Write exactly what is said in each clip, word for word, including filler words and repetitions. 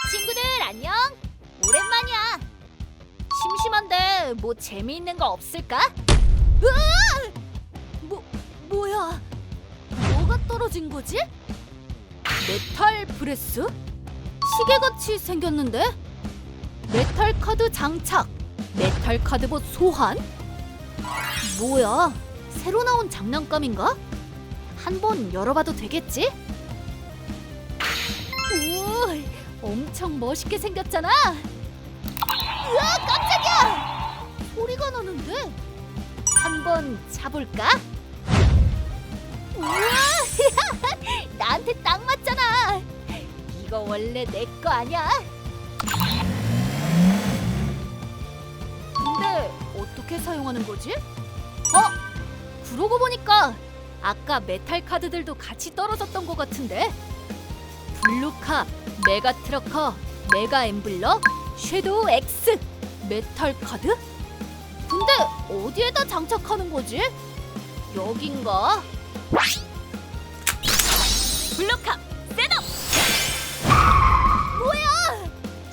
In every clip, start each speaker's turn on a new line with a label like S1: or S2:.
S1: 친구들 안녕. 오랜만이야. 심심한데 뭐 재미있는 거 없을까? 으아! 뭐 뭐야? 뭐가 떨어진 거지? 메탈 브레스? 시계같이 생겼는데? 메탈 카드 장착, 메탈 카드봇 소환? 뭐야? 새로 나온 장난감인가? 한번 열어봐도 되겠지? 오, 엄청 멋있게 생겼잖아. 으아, 깜짝이야! 소리가 나는데? 한번 차볼까? 우와, 나한테 딱 맞잖아. 이거 원래 내 거 아니야? 근데 어떻게 사용하는 거지? 어? 그러고 보니까 아까 메탈 카드들도 같이 떨어졌던 것 같은데? 블루캅, 메가 트러커, 메가 엠블러, 섀도우 X, 메탈 카드? 근데 어디에다 장착하는 거지? 여긴가? 블루캅, 셋업! 뭐야?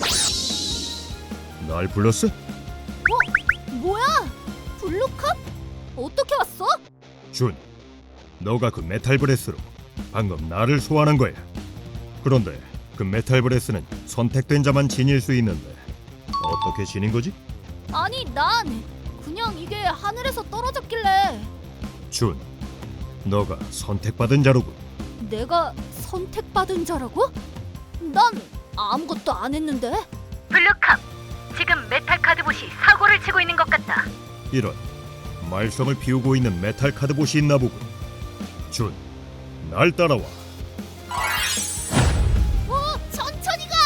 S2: 날 불렀어?
S1: 어? 뭐야? 블루캅? 어떻게 왔어?
S2: 준, 너가 그 메탈 브레스로 방금 나를 소환한 거야. 그런데 그 메탈 브레스는 선택된 자만 지닐 수 있는데 어떻게 지닌 거지?
S1: 아니 난 그냥 이게 하늘에서 떨어졌길래.
S2: 준, 너가 선택받은 자로군.
S1: 내가 선택받은 자라고? 난 아무것도 안 했는데.
S3: 블루캅, 지금 메탈 카드봇이 사고를 치고 있는 것 같다.
S2: 이런 말썽을 피우고 있는 메탈 카드봇이 있나 보군. 준, 날 따라와.
S1: 어, 천천히 가.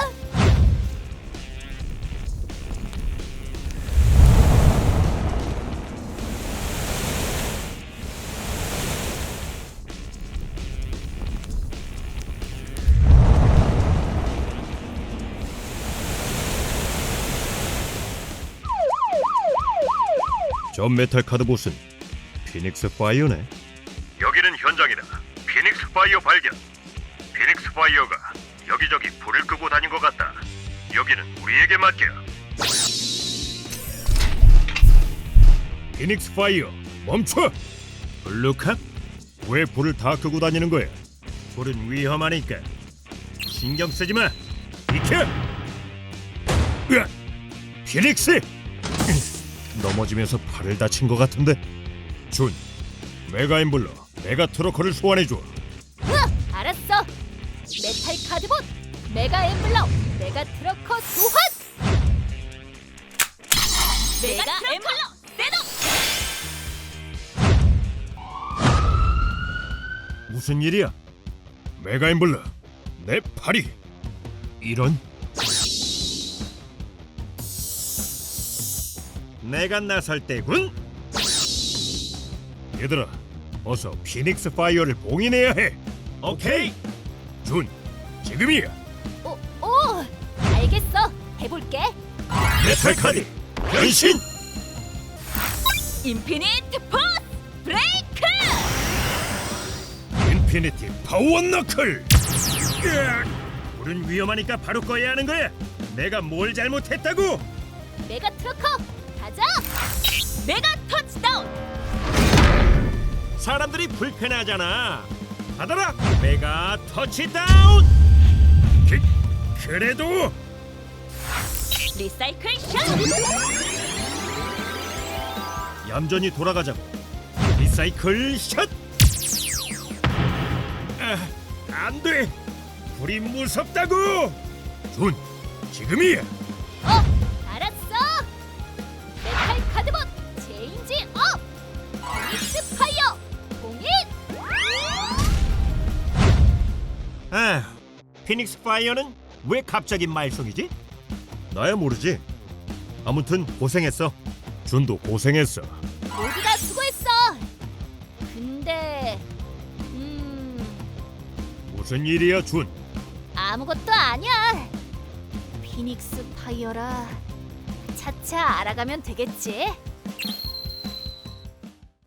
S2: 저 메탈 카드봇은 피닉스 파이어네.
S4: 여기는 현장이다. 피닉스 파이어 발견. 피닉스 파이어가 여기저기 불을 끄고 다닌 것 같다. 여기는 우리에게 맡겨.
S2: 피닉스 파이어, 멈춰! 블루캅? 왜 불을 다 끄고 다니는 거야? 불은 위험하니까 신경 쓰지 마. 비켜! 으악! 피닉스! 넘어지면서 팔을 다친 것 같은데. 준, 메가 엠블러, 메가 트러커를 소환해줘.
S1: 으악, 알았어. 메탈 카드봇, 메가 엠블러, 메가 트러커 소환. 메가 엠블러 셋업.
S2: 무슨 일이야? 메가 엠블러, 내 팔이 이런? 내가 나설 때군. 얘들아, 어서 피닉스 파이어를 봉인해야 해. 오케이. 준, 지금이야.
S1: 어, 어, 알겠어. 해볼게.
S2: 메탈 카드 변신.
S1: 인피니트 포스 브레이크.
S2: 인피니티 파워 너클. 으악! 불은 위험하니까 바로 꺼야 하는 거야. 내가 뭘 잘못했다고?
S1: 메가 트러커 가자. 메가 터치다운.
S2: 사람들이 불편하잖아. 받아라. 메가 터치다운. 그, 그래도
S1: 리사이클 샷.
S2: 얌전히 돌아가자고. 리사이클 샷. 아, 안 돼. 불이 무섭다고. 준, 지금이야.
S1: 어, 알았어. 메탈 카드봇 체인지 업. 피닉스 파이어 공인.
S2: 아, 피닉스 파이어는 왜 갑자기 말썽이지? 나야 모르지. 아무튼 고생했어. 준도 고생했어.
S1: 모두 다 수고했어. 근데 음
S2: 무슨 일이야, 준?
S1: 아무것도 아니야. 피닉스 파이어라. 차차 알아가면 되겠지.